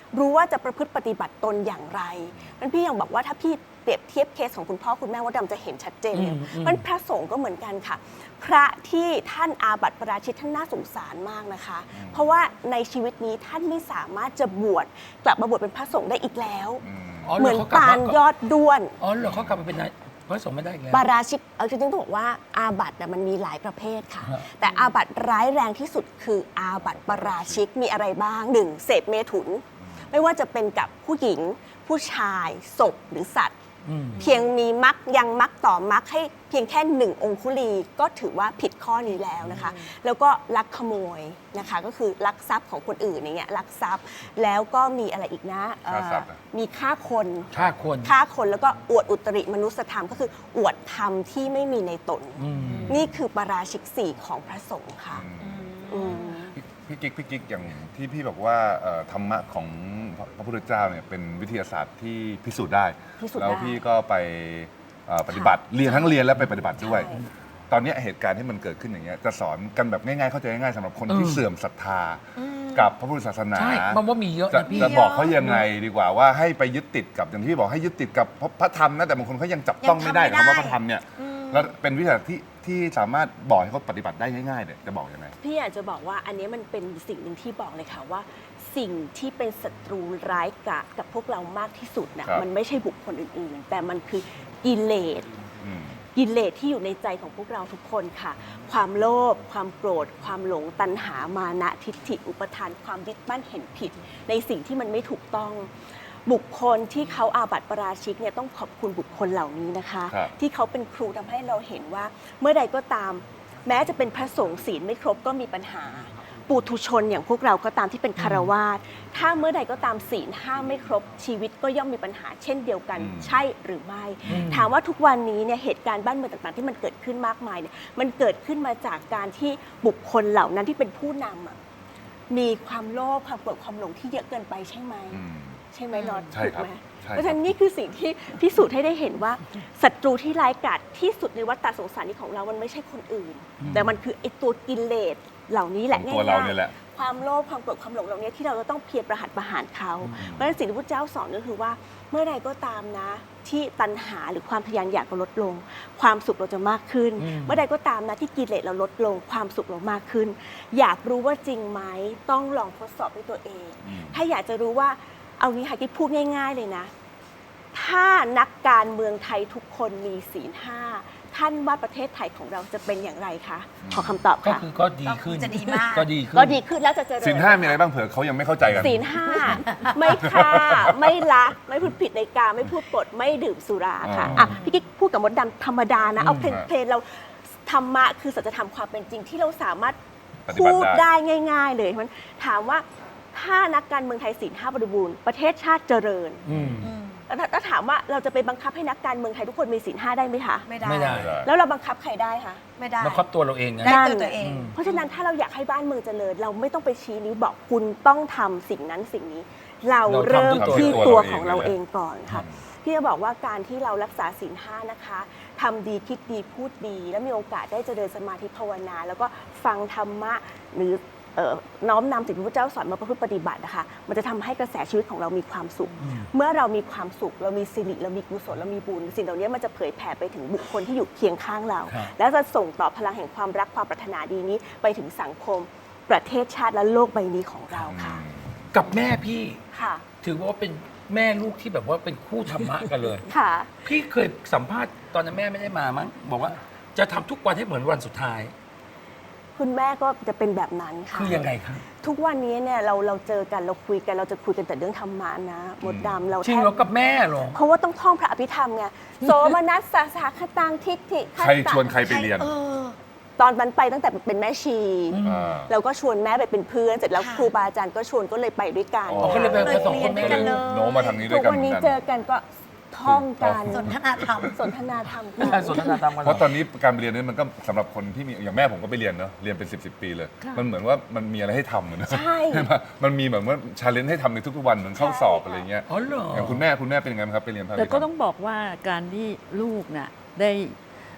Speaker 2: รู้ว่าจะประพฤติปฏิบัติตนอย่างไรนั้นพี่ยังบอกว่าถ้าพี่เปรียบเทียบเคสของคุณพ่อคุณแม่มดดำจะเห็นชัดเจนเลยมันพระสงฆ์ก็เหมือนกันค่ะ พระที่ท่านอาบัติปาราชิกท่านน่าสงสารมากนะคะ เพราะว่าในชีวิตนี้ท่านไม่สามารถจะบวชกลับมาบวชเป็นพระสงฆ์ได้อีกแล้ว เหมือนปานยอดด้วน
Speaker 1: อ๋อเหรอเขากลับมาเป็นนายพระสงฆ์ไม่ได้อีกแล้ว
Speaker 2: ปาราชิกจริงๆต้องบอกว่าอาบัติน่ะมันมีหลายประเภทค่ะ
Speaker 1: ฮะ
Speaker 2: แต่อาบัติร้ายแรงที่สุดคืออาบัติปาราชิกมีอะไรบ้าง 1. เสพเมถุน ไม่ว่าจะเป็นกับผู้หญิง ผู้ชายศพหรือสัตว์ เพียงมีมรรคยังมรรคต่อมรรคให้เพียงแค่หนึ่งองคุลีก็ถือว่าผิดข้อนี้แล้วนะคะ แล้วก็ลักขโมยนะคะ ก็คือลักทรัพย์ของคนอื่นอย่างเงี้ยลักทรัพย์แล้วก็มีอะไรอีกนะ
Speaker 4: ฆ่าทรัพย์อะ
Speaker 2: มีฆ่าคน
Speaker 1: ฆ่าคน
Speaker 2: ฆ่าคนแล้วก็อวดอุตริมนุสธรรมก็คืออวดธรรมที่ไม่มีในตน นี่คือปาราชิกสี่ของพระสงฆ์ค่ะอืม
Speaker 4: พี่กิ๊กอย่างที่พี่บอกว่าธรรมะของพระพุทธเจ้าเนี่ยเป็นวิทยาศาสตร์ที่พิสูจน์ได้
Speaker 2: พิสูจน์ได้
Speaker 4: แล้วพี่ก็ไปปฏิบัติเรียนทั้งเรียนและไปปฏิบัติด้วย
Speaker 2: ใช่
Speaker 4: ตอนเนี้ยเหตุการณ์ที่มันเกิดขึ้นอย่างเงี้ยจะสอนกันแบบง่ายๆเข้าใจง่ายๆสำหรับคนที่เสื่อมศรัทธากับพระพุทธศาสนา
Speaker 1: ใช่มันว่ามีเยอะ
Speaker 4: จะ
Speaker 1: นะพี่
Speaker 4: จะบอกเขายังไงดีกว่าว่าให้ไปยึดติดกับอย่างที่พี่บอกให้ยึดติดกับพระธรรมนะแต่บางคนเขายังจับต้องไม่ได้
Speaker 5: ยังทำไม่ได้
Speaker 4: คำว่าพระธรรมเนี่ยแล้วเป็นวิทยาศาสตร์ที่สามารถบอกให้เขาปฏิบัติได้ง่ายๆเนี่ยจะบอกยังไง
Speaker 2: พี่อยากจะบอกว่าอันนี้มันเป็นสิ่งหนึ่งที่บอกเลยค่ะว่า สิ่งที่เป็นศัตรูร้ายกาจกับพวกเรามากที่สุดนะครับ มันไม่ใช่บุคคลอื่นๆ แต่มันคือกิเลส
Speaker 4: อืม
Speaker 2: กิเลสที่อยู่ในใจของพวกเราทุกคนค่ะ ความโลภความโกรธ ความหลงตัณหามานะทิฏฐิอุปทานความยึดมั่นเห็นผิด ในสิ่งที่มันไม่ถูกต้อง บุคคลที่เขาอาบัติปาราชิกเนี่ยต้องขอบคุณบุคคลเหล่านี้นะคะ
Speaker 4: ครับ
Speaker 2: ที่เขาเป็นครูทำให้เราเห็นว่า เมื่อใดก็ตาม แม้จะเป็นพระสงฆ์ศีลไม่ครบก็มีปัญหา ปุถุชนอย่างพวกเราก็ตามที่เป็นคารวาสถ้าเมื่อใดก็ตามศีลห้าไม่ครบชีวิตก็ย่อมมีปัญหาเช่นเดียวกัน ใช่หรือไม่ ถามว่าทุกวันนี้เนี่ยเหตุการณ์บ้านเมืองต่างๆ ที่มันเกิดขึ้นมากมายเนี่ยมันเกิดขึ้นมาจากการที่บุคคลเหล่านั้นที่เป็นผู้นำอะมีความโลภความโกรธความหลงที่เยอะเกินไปใช่ไหม
Speaker 4: อืม
Speaker 2: ใช่ไหมรอด
Speaker 4: ใช่
Speaker 2: ถูก
Speaker 4: ครับ
Speaker 2: ไหม
Speaker 4: ใช่ครับ
Speaker 2: เพราะฉะนั้นนี่คือสิ่งที่พิสูจน์ให้ได้เห็นว่าศัตรูที่ร้ายกาจที่สุดในวัฏฏะสงสารนี้ของเรามันไม่ใช่คนอื่น แต่มันคือไอ้ตัวกิเลสเหล่านี้แหละ
Speaker 4: ของตัวเราเนี่ยแหละ
Speaker 2: ความโลภความโกรธความหลงเหล่านี้ที่เราจะต้องเพียรประหัตประหารเขา เพราะฉะนั้นสิ่งที่พระเจ้าสอนก็คือว่าเมื่อใดก็ตามนะ ที่ตัณหาหรือความทะยานอยากเราลดลง ความสุขเราจะมากขึ้น เมื่อใดก็ตามนะที่กิเลสเราลดลง ความสุขเรามากขึ้น อยากรู้ว่าจริงไหมต้องลองทดสอบด้วยตัวเอง ถ้าอยากจะรู้ว่าเอางี้ค่ะที่พูดง่าย ๆเลยนะ ถ้านักการเมืองไทยทุกคนมีศีลห้าท่านว่าประเทศไทยของเราจะเป็นอย่างไรคะขอคำตอบ
Speaker 1: ก็
Speaker 2: ค่ะ
Speaker 1: คือก็ดีขึ้น
Speaker 5: จะดีมาก
Speaker 1: ก็ดีขึ้น
Speaker 2: ก็ดีขึ้นแล้วจะเจริญ
Speaker 4: ศีลห้ามีอะไรบ้างเผื่อเขายังไม่เข้าใจกัน
Speaker 2: ศีลห้าไม่ฆ่า ไม่ลัก ไม่พูดผิดในกามไม่พูดปด ไม่ดื่มสุราค่ะ
Speaker 4: อ๋ออ่
Speaker 2: อ่ะพี่กิ๊กพูดกับมดดำธรรมดานะ เอาเพล
Speaker 4: ครับ
Speaker 2: เพลเราธรรมะคือสัจธรรมความเป็นจริงที่เราสามารถ
Speaker 4: ปฏิบัติ
Speaker 2: พูด
Speaker 4: ได้
Speaker 2: ได้ง่าย ๆ เลยมันถามว่าถ้านักการเมืองไทยศีลห้าบริบูรณ์ประเทศชาติเจริญ
Speaker 1: อืม
Speaker 2: แล้วถามว่าเราจะไปบังคับให้นักการเมืองไทยทุกคนมีศีลห้าได้ไหมคะ
Speaker 5: ไม่ได้
Speaker 1: ไม่ได้
Speaker 2: แล้วเราบังคับใครได้คะ
Speaker 5: ไม่ได้
Speaker 1: มาครอบตัวเราเองนะ
Speaker 5: ได้
Speaker 2: นั่น
Speaker 5: ตัวเอง
Speaker 2: เพราะฉะนั้นถ้าเราอยากให้บ้านเมืองเจริญ เราไม่ต้องไปชี้นิ้วบอกคุณต้องทำสิ่งนั้นสิ่งนี้ เราเริ่ม
Speaker 1: เราทำด้วย
Speaker 2: ที่
Speaker 4: ตั
Speaker 2: ตัว
Speaker 4: ว
Speaker 2: ของ
Speaker 4: เรา
Speaker 2: เรา
Speaker 4: เอง
Speaker 2: เองก่อนค่ะพี่จะบอกว่าการที่เรารักษาศีลห้านะคะทำดีคิดดีพูดดี แล้วมีโอกาสได้เจริญสมาธิภาวนา แล้วก็ฟังธรรมะหรือน้อมนำสิ่งที่พระเจ้าสอนมาประพฤติปฏิบัตินะคะมันจะทำให้กระแสชีวิตของเรามีความสุข เมื่อเรามีความสุข เรามีสิริเรามีกุศลเรามีบุญสิ่งเหล่านี้มันจะเผยแผ่ไปถึงบุคคลที่อยู่เคียงข้างเรา
Speaker 1: ครับ
Speaker 2: แล้วจะส่งต่อพลังแห่งความรักความปรารถนาดีนี้ไปถึงสังคมประเทศชาติและโลกใบนี้ของเราค่ะ
Speaker 1: กับแม่พี่
Speaker 2: ค่ะ
Speaker 1: ถือว่าเป็นแม่ลูกที่แบบว่าเป็นคู่ธรรมะกันเลย
Speaker 2: ค่ะ
Speaker 1: พี่เคยสัมภาษณ์ตอนนั้นแม่ไม่ได้มามั้งบอกว่าจะทำทุกวันให้เหมือนวันสุดท้าย
Speaker 2: คุณแม่ก็จะเป็นแบบนั้นค่ะ
Speaker 1: คือยังไงครับ
Speaker 2: ทุกวันนี้เนี่ยเราเจอกันเราคุยกันเราจะคุยกันแต่เรื่องธรรมะนะมดดำเรา
Speaker 1: จริงเหรอกับแม่เหรอ
Speaker 2: เพราะว่าต้องท่องพระอภิธรรมไงโสมนัสสะสาคตังทิฏฐิ
Speaker 4: ใครชวนใครไปเรียน
Speaker 2: ตอนนั้นไปตั้งแต่เป็นแม่ชี
Speaker 4: อ่า
Speaker 2: เราก็ชวนแม่ไปเป็นเพื่อนเสร็จแล้ว
Speaker 5: ค่ะ
Speaker 2: ครูบาอาจารย์ก็ชวนก็เลยไปด้วยกัน
Speaker 4: อ๋อ
Speaker 1: ก็เลยไป
Speaker 5: เลย
Speaker 1: ผสม
Speaker 5: เรี
Speaker 1: ค
Speaker 5: ยน
Speaker 1: น
Speaker 5: ด้
Speaker 1: แม่
Speaker 5: วยกัน
Speaker 1: เล
Speaker 5: เลย ย
Speaker 4: โน้มมาทางนี้ด้
Speaker 2: ทุ
Speaker 4: วย
Speaker 2: ก
Speaker 4: กัน
Speaker 2: วันนี้
Speaker 4: หมืกั
Speaker 2: เจอกันก็ท่องกัน
Speaker 5: สนทนาธรรม
Speaker 2: สนทนาธรรม
Speaker 1: ไม่ใช่สนทนาธรรมกัน
Speaker 4: เพราะตอนนี้การไปเรียนนี่มันก็สำหรับคนที่มีอย่างแม่ผมก็ไปเรียนเนาะเรียนเป็น10 ปีเลย
Speaker 3: ค่ะ
Speaker 4: มันเหมือนว่ามันมีอะไรให้ทำเหมือน
Speaker 2: ใช่
Speaker 4: ไหมมันมีแบบว่าชาเลนจ์ให้ทำในทุกๆวันเหมือนเข้าสอบอะไรเงี้ย
Speaker 1: อ๋อเหรอ
Speaker 4: อย่างคุณแม่เป็นยังไงบ้างครับไปเรียนพระ
Speaker 3: แต่ก็
Speaker 4: วิธรรม
Speaker 3: ต้องบอกว่าการที่ลูกน่ะได้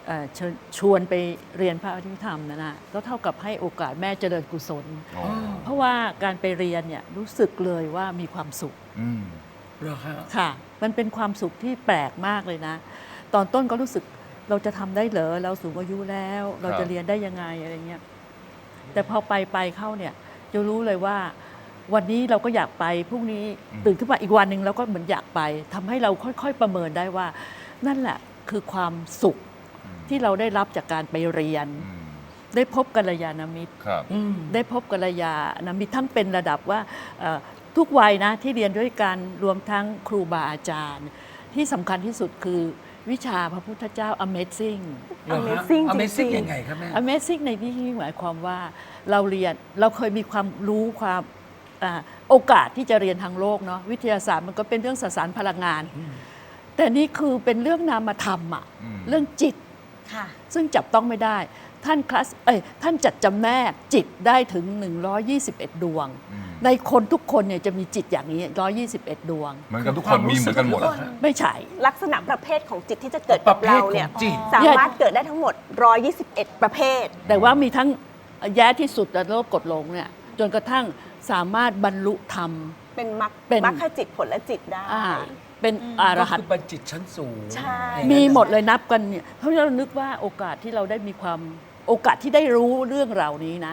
Speaker 3: เชิญชวนไปเรียนพระอภิธรรมนะก็เท่ากับให้โอกาสแม่เจริญกุศล
Speaker 4: อ๋อ
Speaker 3: เพราะว่าการไปเรียนเนี่ยรู้สึกเลยว่ามีความสุข
Speaker 4: อืม
Speaker 1: เหรอคะ
Speaker 3: ค่ะ มันเป็นความสุขที่แปลกมากเลยนะ ตอนต้นก็รู้สึกเราจะทำได้เหรอเราสูงอายุแล้ว เรา
Speaker 4: ครั
Speaker 3: จะ
Speaker 4: บ
Speaker 3: เรียนได้ยังไงอะไรเงี้ยแต่พอไปเข้าเนี่ยจะรู้เลยว่า วันนี้เราก็อยากไปพรุ่งนี้ตื่นขึ้นมาอีกวันหนึ่งเราก็เหมือนอยากไปทำให้เราค่อยๆประเมินได้ว่า นั่นแหละคือความสุขที่เราได้รับจากการไปเรียน
Speaker 4: อืม
Speaker 3: ได้พบกัลยาณมิตร
Speaker 4: ครับ
Speaker 1: อืม
Speaker 3: ได้พบกัลยาณมิตรทั้งเป็นระดับว่าทุกวัยนะที่เรียนด้วยกันรวมทั้งครูบาอาจารย์ ที่สำคัญที่สุดคือวิชาพระพุทธเจ้า Amazing
Speaker 1: เหรอฮะ
Speaker 2: Amazing จริงๆ
Speaker 1: Amazing ยังไงครับแม่
Speaker 3: Amazing ในที่นี้หมายความว่าเราเรียนเราเคยมีความรู้ความโอกาสที่จะเรียนทางโลกเนาะวิทยาศาสตร์มันก็เป็นเรื่องสสารพลังงาน แต่นี่คือเป็นเรื่องนามธรรมอะ
Speaker 4: อืม
Speaker 3: เรื่องจิต
Speaker 5: ค่ะ
Speaker 3: ซึ่งจับต้องไม่ได้ท่านจัดจำแนกจิตได้ถึง 121 ดวง
Speaker 4: อืม
Speaker 3: ในคนทุกคนเนี่ยจะมีจิตอย่างนี้ 121 ดวง
Speaker 4: เหมือนกันทุกคนมีเหมือนกันหมดเหรอฮะ
Speaker 3: ไม่ใช่
Speaker 2: ลักษณะประเภทของจิตที่จะเกิดกับเราเนี่ย
Speaker 1: ประเภทของจิต
Speaker 2: สามารถเกิดได้ทั้งหมด 121 ประเภท
Speaker 3: แต่ว่ามีทั้งแย่ที่สุดและโลกกดลงเนี่ยจนกระทั่งสามารถบรรลุธรรม
Speaker 2: เป็น
Speaker 3: เป็น
Speaker 2: มรรคจิตผลและจิตได้
Speaker 3: เป็นอร
Speaker 1: ก็
Speaker 3: หัน
Speaker 1: คือ
Speaker 3: ต์
Speaker 1: บัญจิตชั้นสูง
Speaker 2: ใช่
Speaker 3: มีหมดเลยนับกันเนี่ยเพราะฉะนั้นเรานึกว่าโอกาสที่เราได้มีความโอกาสที่ได้รู้เรื่องเหล่านี้นะ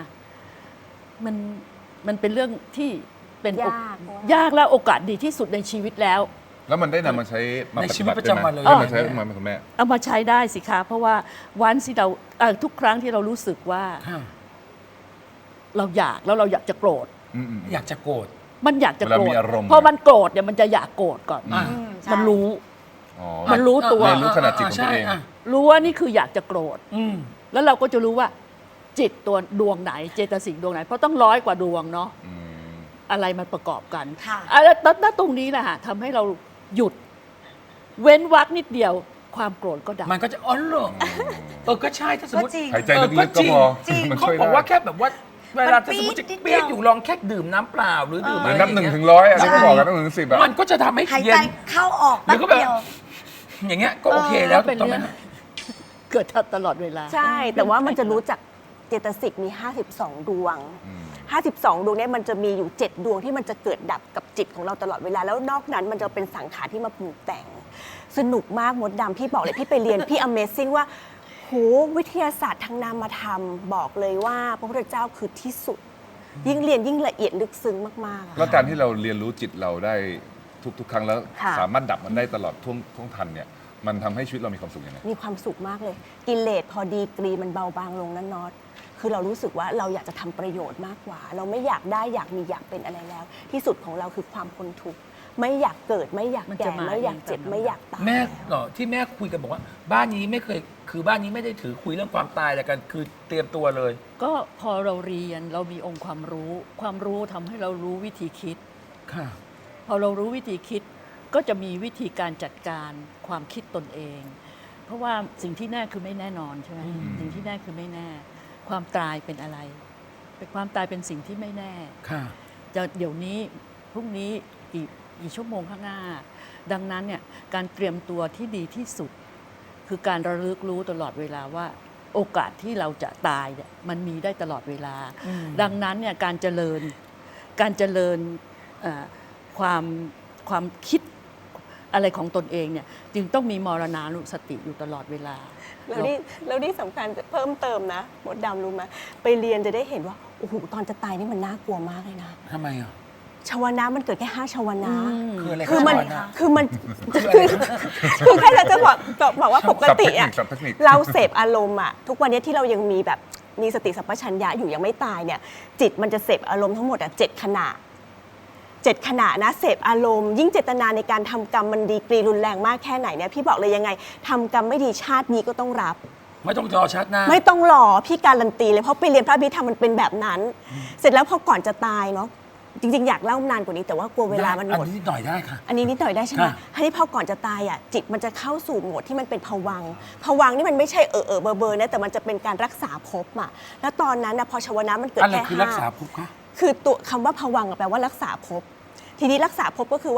Speaker 3: มันเป็นเรื่องที่เป็น ยากและโอกาสดีที่สุดในชีวิตแล้ว
Speaker 4: แล้วมันได้นำมาใช้มา
Speaker 1: ใน
Speaker 4: ป
Speaker 1: ชี
Speaker 4: ฏิ
Speaker 1: วิต
Speaker 4: บัติ
Speaker 1: ประจำวันเลย
Speaker 4: ได้มาใช้มาคุณแม่
Speaker 3: เอามาใช้ได้สิคะเพราะว่าวันที่เราทุกครั้งที่เรารู้สึกว่า
Speaker 1: ค่ะ
Speaker 3: เราอยากแล้วเราอยากจะโกรธ
Speaker 4: อืม
Speaker 1: อยากจะโกรธ
Speaker 3: มันอยากจะโกร
Speaker 4: เวลา
Speaker 3: ธ
Speaker 4: มีอารมณ์
Speaker 3: พอมันโกรธเนี่ยมันจะอยากโกรธก่อน
Speaker 1: อ่ะ
Speaker 5: ใช่
Speaker 3: มันรู้
Speaker 4: อ๋อ
Speaker 3: มันรู้ตัว
Speaker 4: เรียนรู้ขนาดจิตของตัวเอง
Speaker 1: ใช่ะ
Speaker 3: รู้ว่านี่คืออยากจะโกรธ
Speaker 1: อืม
Speaker 3: แล้วเราก็จะรู้ว่าจิตตัวดวงไหนเจตสิกดวงไหนเพราะต้อง100 กว่าดวงเนาะ
Speaker 4: อืม
Speaker 3: อะไรมันประกอบกัน
Speaker 5: ค่ะ
Speaker 3: แล้วตรงนี้แหละฮะทำให้เราหยุด เว้นวรรคนิดเดียวความโกรธก็ดับ
Speaker 1: มันก็จะอ๋อเหรอก็ใช่ถ้าสมมติ
Speaker 5: ก็จริง
Speaker 4: หายใจลึกๆก็พอ
Speaker 5: จริง
Speaker 4: มัน
Speaker 1: เขา
Speaker 4: ช่วย
Speaker 1: บอก
Speaker 4: ได้
Speaker 1: ว่าแค่แบบว่าเวลาถ้าสมมติจะ
Speaker 5: มันปี๊ดนิดเดี
Speaker 1: เปี๊ย
Speaker 5: ยว
Speaker 1: กอยู่ลองแค่ดื่มน้ำเปล่าหรือดื่ม
Speaker 4: เห
Speaker 1: อะ
Speaker 4: มือน
Speaker 1: ไร
Speaker 4: นับ
Speaker 1: อ
Speaker 4: ห
Speaker 1: ย่า
Speaker 4: นึ่
Speaker 1: ง
Speaker 4: ง
Speaker 1: เงี้ย
Speaker 4: ถึงร้อยอันนี้ก็บอกกันนับหนึ่งถึง 10อะ
Speaker 1: มันก็จะทำให้
Speaker 5: หาย
Speaker 1: เย็
Speaker 5: ใจ
Speaker 1: น
Speaker 5: เข้าออก
Speaker 1: แล้
Speaker 5: แป๊
Speaker 1: ว
Speaker 5: บ
Speaker 1: ก็แบบ
Speaker 5: เดียว
Speaker 1: อย่างเงี้ยก็โอเคแล้ว
Speaker 3: เป็
Speaker 1: ถู
Speaker 3: น
Speaker 1: กต้องไหม
Speaker 3: เรื่อง เกิดตลอดเวลา
Speaker 2: ใช่ แต่ว่ามันจะรู้จักเจตสิกมี 52 ดวง
Speaker 4: อืม
Speaker 2: 52 ดวงเนี่ยมันจะมีอยู่ 7 ดวงที่มันจะเกิดดับกับจิตของเราตลอดเวลา แล้วนอกนั้นมันจะเป็นสังขารที่มาปรุงแต่ง สนุกมากมดดำพี่บอกเลยพี่ไปเรียน พี่ Amazing ว่าโหวิทยาศาสตร์ทางนามธรรมบอกเลยว่าพระพุทธเจ้าคือที่สุด ยิ่งเรียนยิ่งละเอียดลึกซึ้งมากๆอะ
Speaker 4: แล้วการที่เราเรียนรู้จิตเราได้ทุกๆ ครั้งแล้ว
Speaker 2: ค่ะ
Speaker 4: สามารถดับมันได้ตลอดท่วงทันเนี่ยมันทำให้ชีวิตเรามีความสุขยังไง
Speaker 2: มีความสุขมากเลย กิเลสพอดีกรีมันเบาบางลงนั่นน็อตคือเรารู้สึกว่าเราอยากจะทำประโยชน์มากกว่า เราไม่อยากได้อยากมีอยากเป็นอะไรแล้ว ที่สุดของเราคือความพ้นทุกข์ไม่อยากเกิดไม่อยาก
Speaker 3: มันจะ
Speaker 2: แก่
Speaker 3: มา
Speaker 2: ไม่อยาก
Speaker 3: เอง
Speaker 2: เจ็บ
Speaker 3: ตามลำดับ
Speaker 2: ไม่อยากตาย
Speaker 1: แม่
Speaker 2: แล้ว
Speaker 1: เหรอที่แม่คุยกันบอกว่า บ้านนี้ไม่เคยคือบ้านนี้ไม่ได้ถือคุยเรื่องความตายอะไรกันคือเตรียมตัวเลย
Speaker 3: ก็พอเราเรียนเรามีองค์ความรู้ ความรู้ทำให้เรารู้วิธีคิด
Speaker 1: ค่ะ
Speaker 3: พอเรารู้วิธีคิดก็จะมีวิธีการจัดการความคิดตนเอง เพราะว่าสิ่งที่แน่คือไม่แน่นอนใช่ไหม
Speaker 1: อืม
Speaker 3: สิ่งที่แน่คือไม่แน่ ความตายเป็นอะไรเป็นความตายเป็นสิ่งที่ไม่แน่
Speaker 1: ค่ะ
Speaker 3: จะเดี๋ยวนี้พรุ่งนี้กี่ชั่วโมงข้างหน้า ดังนั้นเนี่ยการเตรียมตัวที่ดีที่สุด คือการระลึกรู้ตลอดเวลาว่าโอกาสที่เราจะตายเนี่ยมันมีได้ตลอดเวลา
Speaker 1: อืม
Speaker 3: ดังนั้นเนี่ยการเจริญความคิดอะไรของตนเองเนี่ยจึงต้องมีมรณานุสติอยู่ตลอดเวลา
Speaker 2: แล้วนี่สำคัญเพิ่มเติมนะมดดำรู้ไหมไปเรียนจะได้เห็นว่าโอ้โหตอนจะตายนี่มันน่ากลัวมากเลยนะ
Speaker 1: ทำไมอ่ะ
Speaker 2: ชาวนะมันเกิดแค่5ชาวนะ
Speaker 1: คืออะไร
Speaker 2: คือมัน
Speaker 1: ชาวนะ
Speaker 2: คือมันคือแค่จะบอกว่าปกติอะ
Speaker 4: ศัพท์เทคนิค
Speaker 2: เราเสพอารมณ์อะทุกวันนี้ที่เรายังมีแบบมีสติสัมปชัญญะอยู่ยังไม่ตายเนี่ยจิตมันจะเสพอารมณ์ทั้งหมดอะ7 ขณะ 7 ขณะนะเสพอารมณ์ยิ่งเจตนาในการทำกรรมมันดีกรีรุนแรงมากแค่ไหนเนี่ยพี่บอกเลยยังไงทำกรรมไม่ดีชาตินี้ก็ต้องรับ
Speaker 1: ไม่ต้องรอชัดหน้า
Speaker 2: ไม่ต้องรอพี่การันตีเลยเพราะไปเรียนพระอภิธรรมมันเป็นแบบนั้น เสร็จแล้วพอก่อนจะตายเนาะจริงๆอยากเล่านานกว่านี้แต่ว่ากลัวเวลามันหมด
Speaker 1: อันนี้หน่อยได้ค่ะ
Speaker 2: อันนี้นิดหน่อยได้ใช่ไหม
Speaker 1: ค่ะ
Speaker 2: ทีนี้พอก่อนจะตายอ่ะจิตมันจะเข้าสู่โหมดที่มันเป็นภวังค์ภวังค์นี่มันไม่ใช่เบอร์นะแต่มันจะเป็นการรักษาภพอ่ะแล้วตอนนั้นนะพอชวนะมันเกิด
Speaker 1: อะไร
Speaker 2: แค่
Speaker 1: คือรักษาภพคะ
Speaker 2: คือตัวคำว่าภวังค์อะแปลว่ารักษาภพทีนี้รักษาภพก็คือว่าภ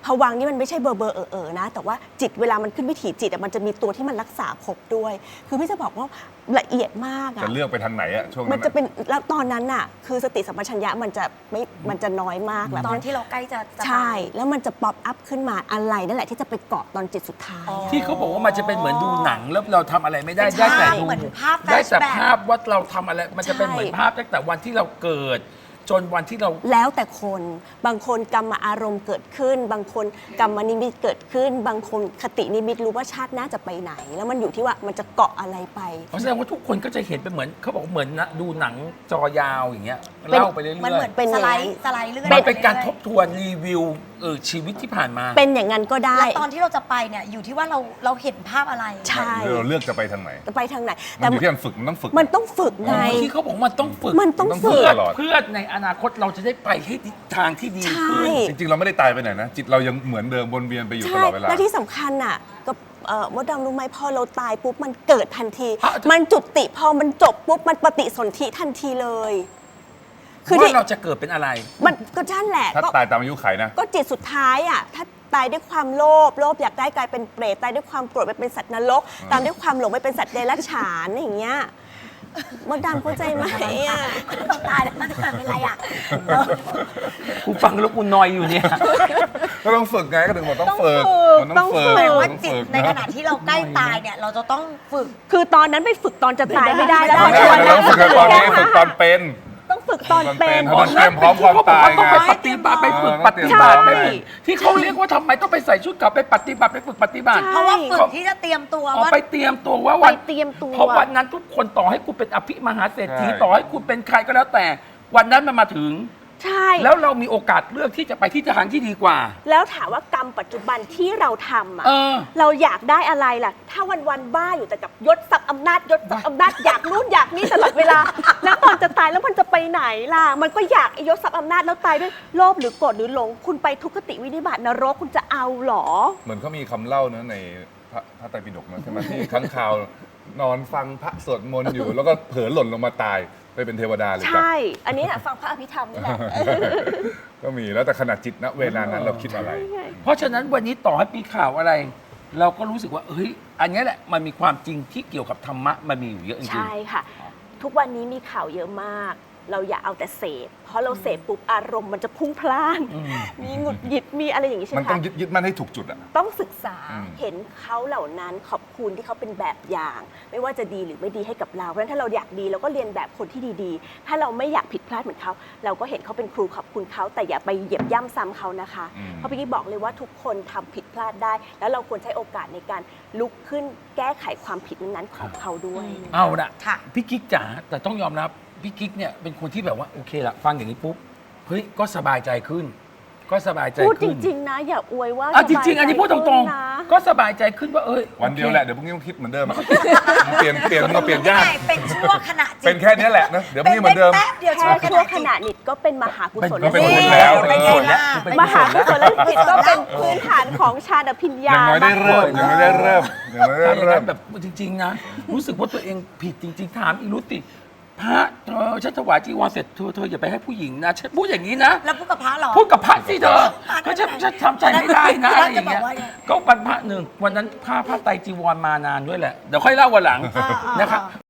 Speaker 2: ภวังค์นี่มันไม่ใช่เบอร์นะ แต่ว่าจิตเวลามันขึ้นวิถีจิตอะมันจะมีตัวที่มันรักษาภพด้วย คือพี่จะบอกว่าละเอียดมากอะ
Speaker 4: จะเลือกไปทางไหนอะช่วง
Speaker 2: มั
Speaker 4: นั้น น
Speaker 2: จะเป็นแล้วตอนนั้นน่ะคือสติสัมปชัญญะมันจะน้อยมากแล้ว
Speaker 5: ตอนที่เราใกล้จะตาย
Speaker 2: ใช่แล้วมันจะป๊อปอัพขึ้นมาอะไรนั่นแหละที่จะไปเกาะตอนจิตสุดท้าย
Speaker 5: อ๋อ
Speaker 1: ที่เขาบอกว่ามันจะเป็นเหมือนดูหนังแล้วเราทำอะไรไม่ได้
Speaker 5: ใช่
Speaker 1: ได้แต่ดู
Speaker 5: เหมือนภาพ
Speaker 1: ได้แต่
Speaker 5: flashback
Speaker 1: ภาพว่าเราทำอะไร มันจะเป็น
Speaker 2: ใช่
Speaker 1: เหมือนภาพตั้งแต่วันที่เราเกิด จนวันที่เรา
Speaker 2: แล้วแต่คนบางคนกรรมอารมณ์เกิดขึ้น บางคนกรรมนิมิตเกิดขึ้น บางคนคตินิมิตรู้ว่าชาติหน้าจะไปไหน แล้วมันอยู่ที่ว่ามันจะเกาะอะไรไป
Speaker 1: แสดงว่าทุกคนก็จะเห็นเป็นเหมือนเขาบอกว่าเหมือนนะดูหนังจอยาวอย่างเงี้ย
Speaker 2: เป็น
Speaker 1: เล่าไปเรื่อย
Speaker 5: มันเหมือน
Speaker 2: เป็น
Speaker 5: ส
Speaker 2: อย่าง
Speaker 5: ไล
Speaker 2: นั้น
Speaker 5: ด์สไลด์เรื่อย
Speaker 1: ๆมันเป็นการ
Speaker 5: อยๆ
Speaker 1: ทบทวนรีวิวชีวิตที่ผ่านมา
Speaker 2: เป็นอย่างนั้นก็ได้
Speaker 5: แล้วตอนที่เราจะไปเนี่ยอยู่ที่ว่าเราเห็นภาพอะไร
Speaker 2: ใช่
Speaker 4: เราเลือกจะไปทางไหน
Speaker 2: จะไปทางไหน
Speaker 4: มั
Speaker 2: แต่
Speaker 4: นอยู่ที่การฝึกมันต้องฝึก
Speaker 2: มันต้องฝึกไง
Speaker 1: ที่เขาบอกมันต้องฝึก
Speaker 2: มันต้อง
Speaker 4: มันต้องฝึ
Speaker 2: ฝึ
Speaker 4: ก
Speaker 2: ก
Speaker 4: ตลอด
Speaker 1: เพื่อในอนาคตเราจะได้ไปให้ทางที่ดี
Speaker 2: ใช่
Speaker 1: ขึ้น
Speaker 4: จริงๆ เราไม่ได้ตายไปไหนนะ จิตเรายังเหมือนเดิมวนเวียนไปอยู่ต
Speaker 2: ใช่
Speaker 4: ลอดเวลา
Speaker 2: และที่สำคัญอ่ะกับมดดำรู้ไหมพอเราตายปุ๊บมันเกิดทันที
Speaker 1: อ่ะ
Speaker 2: มันจุติพอมันจบปุ๊บมันปฏิสนธิทันทีเลย คือที่
Speaker 1: ว่าเราจะเกิดเป็นอะไร
Speaker 2: มันก็นั่นแหละ
Speaker 4: ถ้า
Speaker 2: ก็
Speaker 4: ตายตามอายุไขนะ
Speaker 2: ก็จิตสุดท้ายอ่ะถ้าตายด้วยความโลภอยากได้กลายเป็นเปรตตายด้วยความโกรธไปเป็นสัตว์นรกตามด้วยความหลงไปเป็นสัตว์เดรัจฉานอย่างเงี้ยมดดำเข้าใจไหมอ่ะ
Speaker 5: เราตายแล้วมันจะเป็นอะไรอ่ะ
Speaker 1: กูฟังแล้วกูนอยอยู่เนี่ย
Speaker 4: ก็ต้องฝึกไงก็ถึงบอกต้องฝึก มัน
Speaker 2: ต้
Speaker 4: ต้
Speaker 2: อ
Speaker 4: อง ง
Speaker 2: ฝึ
Speaker 4: ฝึ
Speaker 2: ก
Speaker 4: ก
Speaker 5: แปลว่า
Speaker 4: ต้อง
Speaker 5: จิต
Speaker 4: ฝึก
Speaker 5: ในขณะที่เราใกล้ตายเนี่ยเราจะต้องฝึก
Speaker 2: คือตอนนั้นไปฝึกตอนจะตายไม่ได้แล้ว
Speaker 4: ไม่ได้เราต้องฝึกกันตอนนี้ฝึกตอนเป็น
Speaker 2: ต้องฝึกตอนเป็น
Speaker 4: ตอนเป็น พร้อมความตายไง
Speaker 1: ต้องไปปฏิบัติไปฝึกปฏิบัติ
Speaker 2: ใช่
Speaker 1: ไปที่เขาเรียกว่าทำไมต้องไปใส่ชุดเก่าไปปฏิบัติไปฝึกปฏิบัติ
Speaker 2: ใช่
Speaker 5: เพราะว่าฝึกที่จะเตรียมตัว
Speaker 1: ออก
Speaker 5: ว่า
Speaker 1: ไปเตรียมตัวว่า
Speaker 2: ไป
Speaker 1: วัน
Speaker 2: เตรียมตัว
Speaker 1: เพราะวันนั้นทุกคนต่อให้คุณเป็นอภิมหาเศรษฐี
Speaker 4: ใช่
Speaker 1: ต่อให้คุณเป็นใครก็แล้วแต่ วันนั้นมันมาถึง
Speaker 2: ใช่
Speaker 1: แล้วเรามีโอกาสเลือกที่จะไปที่ทางที่ดีกว่า
Speaker 2: แล้วถามว่ากรรมปัจจุบันที่เราทำอ่ะ
Speaker 1: เออ
Speaker 2: เราอยากได้อะไรล่ะ ถ้าวันๆบ้าอยู่แต่กับยศศักดิ์อำนาจยศศักดิ์อำนาจอยากนู่นอยากนี่ตลอดเวลา แล้วตอนจะตายแล้วมันจะไปไหนล่ะ มันก็อยากไอ้ยศศักดิ์อำนาจแล้วตายด้วยโลภหรือโกรธหรือหลง คุณไปทุกขติวินิบาตนรกคุณจะเอาเหรอ
Speaker 4: เหมือนเขามีคำเล่านะในพระไตรปิฎกนะใช่ไหมที่ค้างคาวนอนฟังพระสวดมนต์อยู่ แล้วก็เผลอหล่นลงมาตายไปเป็นเทวดาเลยจ้ะ
Speaker 2: ใช่ อันนี้นะฟังพระอภิธรรมนี่แหละ
Speaker 4: ก็มีแล้วแต่ขณะจิตณเวลานั้นเราคิดอะไร
Speaker 1: เพราะฉะนั้นวันนี้ต่อให้มีข่าวอะไร เราก็รู้สึกว่าเฮ้ยอันนี้แหละมันมีความจริงที่เกี่ยวกับธรรมะมันมีอยู่เยอะจริง
Speaker 2: ใช่ค่ะ ทุกวันนี้มีข่าวเยอะมาก เราอย่าเอาแต่เสพเพราะเราเสพปุ๊บอารมณ์มันจะพุ่งพล่าน มีหงุดหงิดมีอะไรอย่างนี้ใช่ไห
Speaker 4: มั
Speaker 2: ม
Speaker 4: นต้อง
Speaker 2: คะ
Speaker 4: ยึดมั่นให้ถูกจุดอ่ะ
Speaker 2: ต้องศึกษา
Speaker 4: อืม
Speaker 2: เห็นเขาเหล่านั้นขอบคุณที่เขาเป็นแบบอย่าง ไม่ว่าจะดีหรือไม่ดีให้กับเราเพราะฉะนั้นถ้าเราอยากดีเราก็เรียนแบบคนที่ดีๆ ถ้าเราไม่อยากผิดพลาดเหมือนเขาเราก็เห็นเขาเป็นครูขอบคุณเขาแต่อย่าไปเหยียบย่ำซ้ำเขานะคะ เพราะพี่กี้บอกเลยว่าทุกคนทำผิดพลาดได้ แล้วเราควรใช้โอกาสในการลุกขึ้นแก้ไขความผิดนั้นๆของเขาด้วย
Speaker 1: ๆ เอาละ
Speaker 5: ค่ะ
Speaker 1: พี่กิ๊กจ๋าแต่ต้องยอมรับพี่กิ๊กเนี่ยเป็นคนที่แบบว่าโอเคละฟังอย่างนี้ปุ๊บเฮ้ยก็สบายใจขึ้น ก็สบายใจ
Speaker 2: พูดจ
Speaker 1: ขึ้น
Speaker 2: ริง ๆ นะ อย่าอวยว่า
Speaker 1: อ่ะจริง ๆ อันนี้พูดตรง
Speaker 2: ๆนะ
Speaker 1: ๆ ก็สบายใจขึ้นว่าเอ้ย
Speaker 4: วันเดียว
Speaker 1: โอค
Speaker 4: แหละเดี๋ยวพรุ่งนี้ต้องคิดเหมือนเดิมอะเปลี่ยนมันก็เปลี่ยนยาก
Speaker 5: เป็นช่วงขณะจิต
Speaker 4: เป็นแค่นี้แหละนะเดี๋ยวพรุ่งนี้เหมือนเดิม
Speaker 5: แป๊บเดียว
Speaker 2: แค่
Speaker 5: ช่วง
Speaker 2: ชั่วขณะนิดก็เป็นมหากุศล
Speaker 4: ก็เป็นบุญ
Speaker 2: แล้
Speaker 4: แล้ว
Speaker 2: ว
Speaker 5: เป็นไงล่ะ
Speaker 1: เป็น
Speaker 2: มหากุศล
Speaker 1: แล้ว
Speaker 2: จิตก็เป็นพื้นฐานของฌานอภิญญา
Speaker 4: อย่างน้อยได้เริ่มอย่างน้อยได้เริ่มอย่างน้อยได้
Speaker 1: ถ้าอย่าง
Speaker 4: เริ่
Speaker 1: นั้
Speaker 4: ม
Speaker 1: นแบบจริง ๆ นะ รู้สึกว่าตัวเองผิดจริง ๆ ถามอีรุติพระเธอฉันถวายจีวรเสร็จเธออย่าไปให้ผู้หญิงนะฉันพูดอย่างนี้นะ
Speaker 5: แล้วพูดกับพระเหรอ
Speaker 1: พูดกับพระสิเธอก็ฉันทำใจไม่ได้นะอะไรอย่างเงี้ย
Speaker 5: จะบอกว่าไง
Speaker 1: ก็วันพระหนึ่งวันนั้นผ้าไตรจีวรมานานด้วยแหละ เดี๋ยวค่อยเล่าวันหลัง
Speaker 5: อ่าๆ
Speaker 1: นะครับ